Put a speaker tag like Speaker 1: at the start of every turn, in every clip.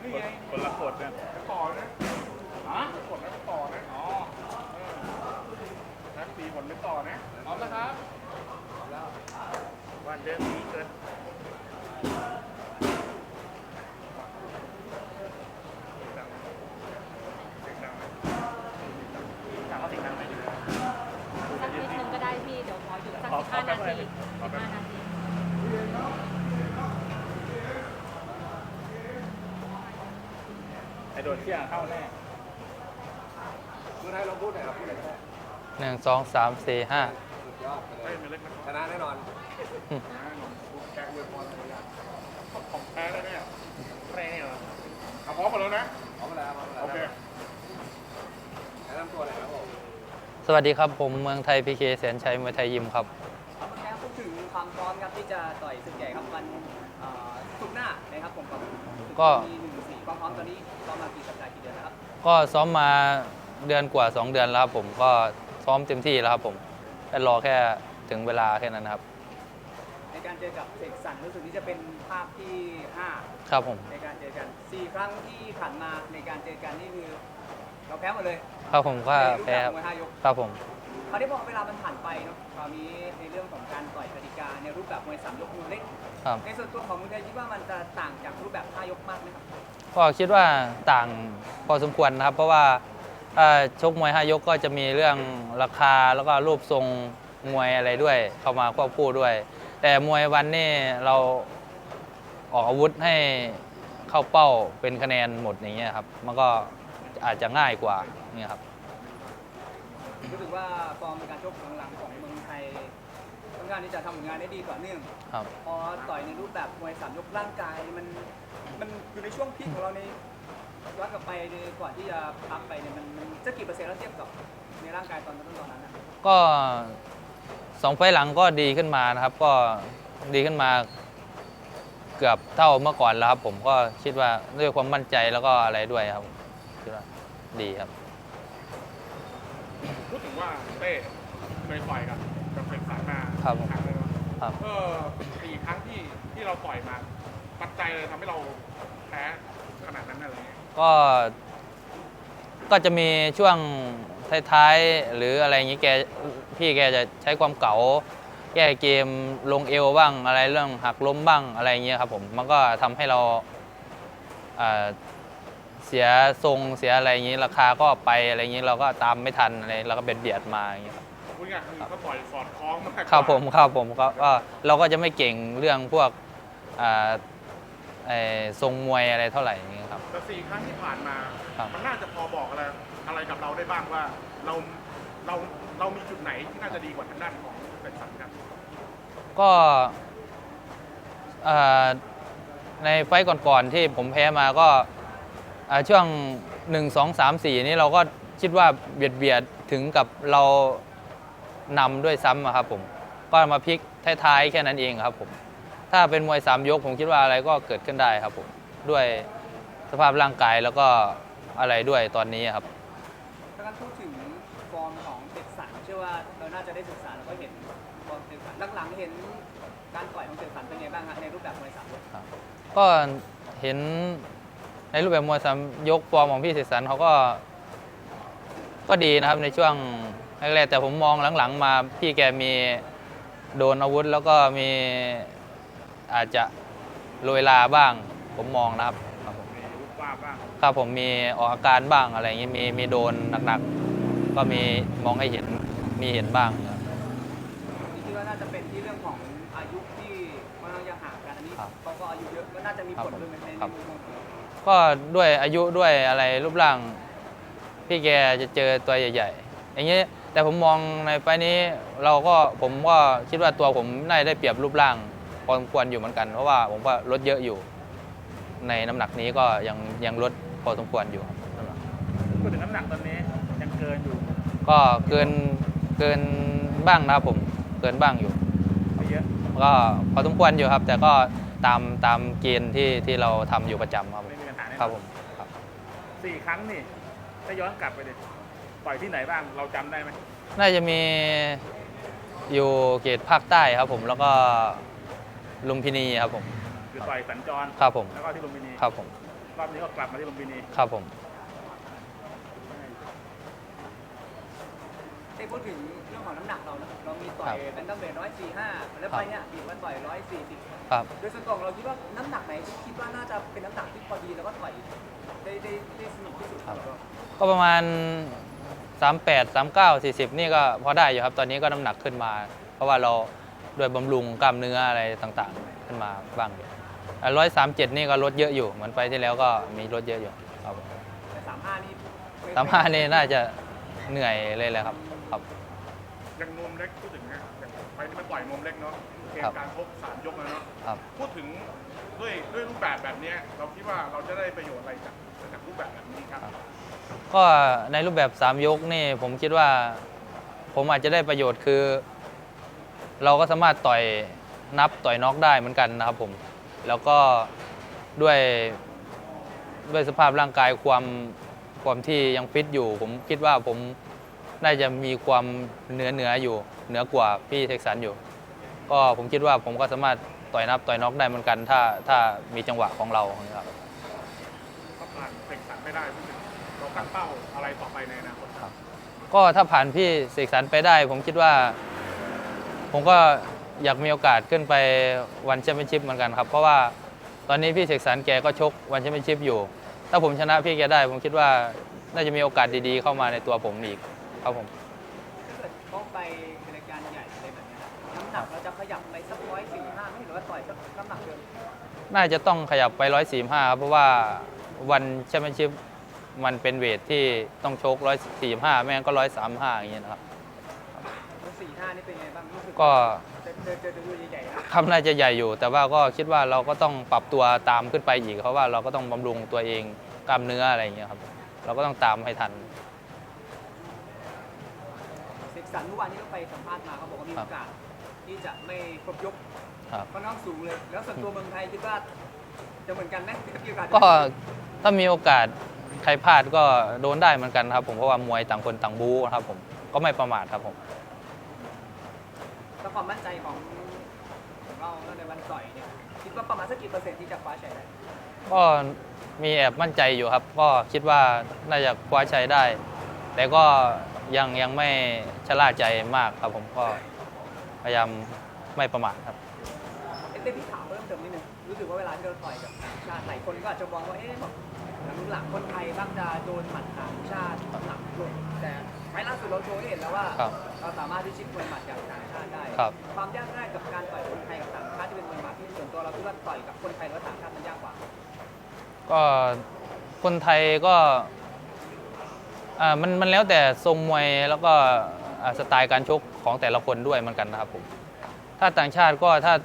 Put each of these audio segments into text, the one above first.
Speaker 1: คนละกดเนี่ยต่อนะกดแล้วก็ต่อนะอ๋อนักตีผลไม่ต่อนะพร้อมนะครับวันเดิมนี้เกิน
Speaker 2: สักนิดนึงก็ได้พี่เดี๋ยวขอหยุดสัก15 นาที15 นาที
Speaker 1: ไอโดนเที่ยงเข้าแน่เมื่อไทยเราพูดไหนเราพูดไหนแน่
Speaker 3: 1 2 3 4 5
Speaker 1: สุดยอดเลยชนะแน่นอนแกงเวทมอนต์อะไรอย่างของแพ้แล้วเนี่ยแพ้เนี่ยเหรอเอาพร้อมกันแล้วนะพร้อมแล้วโอเคแนะนำตัวหน่อยครับผม
Speaker 3: สวัสดีครับผมเมืองไทยพีเคแสนชัยมวยไทยยิมครับ
Speaker 4: ครับเมื่อกี้พูดถึงความพร้อมครับที่จะต่อยศึกใหญ่ครับวันศุกร์หน้านะครับผมกับ
Speaker 3: ก็
Speaker 4: มี1-4ความพร้อมตอนนี้ซ้อมมากี่สัปดาห์กี่เดือนแล้วครับ
Speaker 3: ก็ซ้อมมาเดือนกว่า 2 เดือนแล้วครับผมก็ซ้อมเต็มที่แล้วครับผมแค่รอแค่ถึงเวลาแค่นั้นนะครับ
Speaker 4: ในการเจอกับเสกสรรรู้สึกที่จะเป็นภาพที่
Speaker 3: ครับผม
Speaker 4: 5 ในการเจอกัน4 ครั้งที่ผ่านมาในการเจอกันนี่คือเราแพ้หมดเลย
Speaker 3: ครับผมก็
Speaker 4: ในรูป
Speaker 3: แพ้
Speaker 4: แบบ
Speaker 3: ครับ
Speaker 4: มวย5 ยก
Speaker 3: ครับผม
Speaker 4: คราวนี้พอเวลามันผ่านไปเนาะคราวนี้ในเรื่องของการต่อยกติกาในรูปแบบมวย3 ยกมวยเล็ก
Speaker 3: ครับ
Speaker 4: ในส่วนตัวของมุนไทยคิดว่ามันจะต่างจากรูปแบบ5 ยกมากไหมครับ
Speaker 3: ก็คิดว่าต่างพอสมควรนะครับ เพราะว่าชกมวย5 ยกก็จะมีเรื่องราคาแล้วก็รูปทรงมวยอะไรด้วยเข้ามาควบคู่ด้วย แต่มวยวันนี้เราออกอาวุธให้เข้าเป้าเป็นคะแนนหมดอย่างเงี้ยครับมันก็อาจจะง่ายกว่าเนี่ยครับ
Speaker 4: รู้สึกว่าฟอร์มการชกหลังๆของเมืองไทยค่อนข้างที่จะทำผลงานได้ดีต่อเนื่อง
Speaker 3: ครับ
Speaker 4: พอต่อยในรูปแบบมวย3 ยกร่างกายมันอยู่ในช่วงพีคของเราในย้อนกลับไปก่อนที่จะพักไปเนี่ยมันจะกี่เปอร์เซ็นต์แล้วเทียบกับในร่างกายตอนนั้นนะ
Speaker 3: ก็2 ไฟล์หลังก็ดีขึ้นมานะครับ ก็ดีขึ้นมาเกือบเท่าเมื่อก่อนแล้วครับผมก็คิดว่าด้วยความมั่นใจแล้วก็อะไรด้วยครับคิดว่าดีครับ
Speaker 1: พูดถึงว่าเต้เคยต่อยกับเสกสรรมา
Speaker 3: ครับ
Speaker 1: ครั้งเลยเนาะ
Speaker 3: ครับ
Speaker 1: 4 ครั้งที่เราต่อยมาปัจจัยเลยทำให้เราแพ้ขนาดนั้นอะไรเงี้ย
Speaker 3: ก็จะมีช่วงท้ายๆหรืออะไรอย่างนี้พี่แกจะใช้ความเก๋าแก้เกมลงเอวบ้างอะไรเรื่องหักล้มบ้างอะไรอย่างเงี้ยครับผมมันก็ทำให้เราเสียทรงเสียอะไรอย่างนี้ราคาก็ไปอะไรอย่างนี้เราก็ตามไม่ทันอะไรเราก็เบียดมาอย่างเงี้ยครับ
Speaker 1: พูดง่ายๆคือเขาต่อยสอดคล้องมากกว่า
Speaker 3: ครับผมก็เราก็จะไม่เก่งเรื่องพวกทรงมวยอะไรเท่าไหร่อย่างเงี้ยครับ
Speaker 1: แต่4 ครั้งที่ผ่านมา
Speaker 3: ครับ
Speaker 1: มันน่าจะพอบอกอะไรกับเราได้บ้างว่าเรามีจุดไหนที่น่าจะดีกว่าทางด้านของเสกสรรครับ
Speaker 3: ก็ในไฟต์ก่อนๆที่ผมแพ้มาก็ช่วง1 2 3 4นี้เราก็คิดว่าเบียดถึงกับเรานำด้วยซ้ำอะครับผมก็มาพลิกท้ายๆแค่นั้นเองครับผมถ้าเป็นมวย3 ยกผมคิดว่าอะไรก็เกิดขึ้นได้ครับผมด้วยสภาพร่างกายแล้วก็อะไรด้วยตอนนี้ครับ
Speaker 4: ถ้าการพูดถึงฟอร์มของเสกสรรเชื่อว่าเราน่าจะได้ศึกษาแล้วก็เห็นฟอร์มเสกสรรหลังๆเห็นการต่อยของเสกสรรเป็นไงบ้างฮะในรูปแบบมวย3 ยก
Speaker 3: ก็เห็นในรูปแบบมวย3 ยกฟอร์มของพี่เสกสรรเขาก็ดีนะครับในช่วงแรกๆแต่ผมมองหลังๆมาพี่แกมีโดนอาวุธแล้วก็มีอาจจะโรยลาบ้างผมมองนะครับผม
Speaker 1: มีรูปว่าบ้าง
Speaker 3: ครับผมมีออกอาการบ้างอะไรอย่างนี้มีโดนหนักๆก็มีมองให้เห็นมีเห็นบ้างครับ
Speaker 4: นี่คิดว่าน่าจะเป็นที่เรื่องของอายุที่ค่อนข้างจะห่างกันอันนี้
Speaker 3: ครับ
Speaker 4: เขาก็อายุเยอะก็น่าจะมีผลด้วยใน
Speaker 3: ครับ
Speaker 4: มุมมองของเรา
Speaker 3: ก็ด้วยอายุด้วยอะไรรูปร่างพี่แกจะเจอตัวใหญ่ๆอย่างนี้แต่ผมมองในไฟล์นี้ผมก็คิดว่าตัวผมน่าจะได้เปรียบรูปร่างพอสมควรอยู่เหมือนกันเพราะว่าผมก็ลดเยอะอยู่ ในน้ำหนักนี้ก็ยังลดพอสมควรอยู่ครับ
Speaker 1: พูดถึงน้ำหนักตอนนี้ยังเกินอยู่
Speaker 3: ก็เกินบ้างนะครับผมเกินบ้างอยู่
Speaker 1: ไม่เยอะ
Speaker 3: ก็พอสมควรอยู่ครับ แต่ก็ตามเกณฑ์ที่เราทำอยู่ประจำครับผม
Speaker 1: ไม่มีปัญหาแน่นอน
Speaker 3: ครับผมครับ
Speaker 1: 4 ครั้งนี่ถ้าย้อนกลับไปเลยต่อยที่ไหนบ้างเราจำได้ไหม
Speaker 3: น่าจะมีอยู่เขตภาคใต้ครับผมแล้วก็ลุมพินีครับผม
Speaker 1: คือต่อยสัญจร
Speaker 3: ครับผม
Speaker 1: แล้วก็ที่ลุมพินี
Speaker 3: ครับผม
Speaker 1: พรอบนี้ก็กลับมาที่ลุมพินี
Speaker 3: ครับผม
Speaker 4: ได้พูดถึงเรื่องของน้ำหนักเรานะเรามีต่อยแบนตัมเวท145แล้วไปเนี่ยบีบมาต่อย140
Speaker 3: ครับ
Speaker 4: โดยส่วนตัวของเราคิดว่าน้ำหนักไหนที่คิดว่าน่าจะเป็นน้ำหนักที่พอดีแล้วก็ต่อยได้สนุกที่สุดครับ
Speaker 3: ก็ประมาณ 38 39 40 นี่ก็พอได้อยู่ครับ ตอนนี้ก็น้ำหนักขึ้นมา เพราะว่าเราด้วยบำรุงกล้ามเนื้ออะไรต่างๆ ขึ้นมาบ้างอยู่137 นี่ก็ลดเยอะอยู่เหมือนไปที่แล้วก็มีลดเยอะอยู่ครับ
Speaker 4: แต่35นี่
Speaker 3: 35นี่น่าจะเหนื่อยเลยแหละครับครับ
Speaker 1: ยังนวมเล็กพูดถึงนะอย่างไปที่มันต่อยนวมเล็กเนาะเกม
Speaker 3: ครับ
Speaker 1: การชก3 ยกแล้วเนาะ
Speaker 3: ครับ
Speaker 1: พูดถึงด้วยรูปแบบนี้เราคิดว่าเราจะได้ประโยชน์อะไรจากรูปแบบนี้ครับ
Speaker 3: ก็ในรูปแบบ 3 ยกนี่ผมคิดว่าผมอาจจะได้ประโยชน์คือ เราก็สามารถต่อยนับต่อยน็อกได้เหมือนกันนะครับผมแล้วก็ด้วยสภาพร่างกายความที่ยังฟิตอยู่ ผมคิดว่าผมน่าจะมีความเหนืออยู่เหนือกว่าพี่เท็กซันอยู่ ก็ผมคิดว่าผมก็สามารถต่อยนับต่อยน็อกได้เหมือนกันถ้ามีจังหวะของเราครับ
Speaker 1: ถ้าผ่านเสกสรรไม่ได้พูดถึงเราตั้งเป้าอะไรต่อไปในอนาคตครับ
Speaker 3: ก็ถ้าผ่านพี่เสกสรรไปได้ ผมคิดว่า ผมก็อยากมีโอกาสขึ้นไปวันแชมเปี้ยนชิพเหมือนกันครับเพราะว่าตอนนี้พี่เสกสรรแกก็ชกวันแชมเปี้ยนชิพอยู่ ถ้าผมชนะพี่แกได้ ผมคิดว่าน่าจะมีโอกาสดีๆเข้ามาในตัวผมอีกครับผม
Speaker 4: ถ้าเกิดเขาไปรายการใหญ่อะไรแบบนี้น้ำหนักเราจะขยับไปสัก145ไม่หรือว่าต่อยสักน้ำหนักเดิม
Speaker 3: น่าจะต้องขยับไป145ครับเพราะว่าวันแชมเปี้ยนชิพมันเป็นเวทที่ต้องชก145ไม่งั้นก็135อย่างเงี้ยนะครับ
Speaker 4: 45นี่เป็นไงบ้างรู้สึก
Speaker 3: ก็
Speaker 4: เจอตัวใหญ่ๆนะ
Speaker 3: คำน่าจะใหญ่อยู่ แต่ว่าก็คิดว่าเราก็ต้องปรับตัวตามขึ้นไปอีกเพราะว่าเราก็ต้องบำรุงตัวเองกล้ามเนื้ออะไรอย่างเงี้ยครับเราก็ต้องตามให้ทัน
Speaker 4: เสกสรรเมื่อวานที่เราไปสัมภาษณ์มาเขาบอกว่ามีโอกาสที่จะไม่ครบยก
Speaker 3: ครับ
Speaker 4: ค่อนข้างสูงเลย แล้วส่วนตัวเมืองไทยคิดว่าจะเหมือนกันไหมมีโอกาส
Speaker 3: ก็ถ้ามีโอกาสใครพลาดก็โดนได้เหมือนกันครับผมเพราะว่ามวยต่างคนต่างบู๊ครับผมก็ไม่ประมาทครับผม
Speaker 4: แล้วความมั่นใจของเราในวันต่อยเนี่ยคิดว่าประมาณสักกี่เปอร์เซ็นต์ที่จะคว้าชัยได้
Speaker 3: ก็มีแอบมั่นใจอยู่ครับ ก็คิดว่าน่าจะคว้าชัยได้ แต่ก็ยังไม่ชะล่าใจมากครับผมก็พยายามไม่ประมาทครับ
Speaker 4: เต้พี่ถามเพิ่มเติมนิดนึงรู้สึกว่าเวลาที่เราต่อยกับต่างชาติหลายคนก็อาจจะมองว่าแบบหลังๆคนไทยมักจะโดนหมัดต่างชาติหนักลงแต่ไฟล์ล่าสุดเราโชว์ให้เห็นแล้วว่า
Speaker 3: ครับ
Speaker 4: เราสามารถที่ชิงมวยหมัดจากต่างชาติได้
Speaker 3: ครับ
Speaker 4: ความยากง่ายกับการต่อยคนไทยกับต่างชาติที่เป็นมวยหมัดที่ส่วนตัวเราคิดว่าต่อยกับคนไทยและต่างชาติมันยากกว่า
Speaker 3: ก็คนไทยก็มันแล้วแต่ทรงมวยแล้วก็สไตล์การชกของแต่ละคนด้วยเหมือนกันนะครับผมถ้าต่างชาติก็ถ้า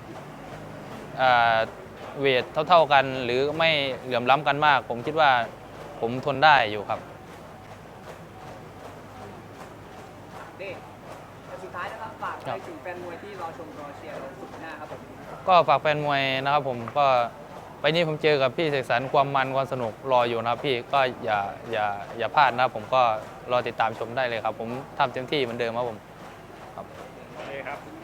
Speaker 3: เวทเท่าๆกันหรือไม่เหลื่อมล้ำกันมาก ผมคิดว่าผมทนได้อยู่ครับ
Speaker 4: เด้แต่สุดท้ายนะครับฝาก
Speaker 3: ครั
Speaker 4: ไป
Speaker 3: บ
Speaker 4: ถึงแฟนมวยที่รอชมรอเชียร์เราสุดหน้าครับผม
Speaker 3: ก็ฝากแฟนมวยนะครับผมก็ไปนี้ผมเจอกับพี่เสกสรรความมันความสนุกรออยู่นะครับพี่ก็อย่าพลาดนะครับผมก็รอติดตามชมได้เลยครับ ผมทำเต็มที่เหมือนเดิมครับผม
Speaker 1: โอเคครับ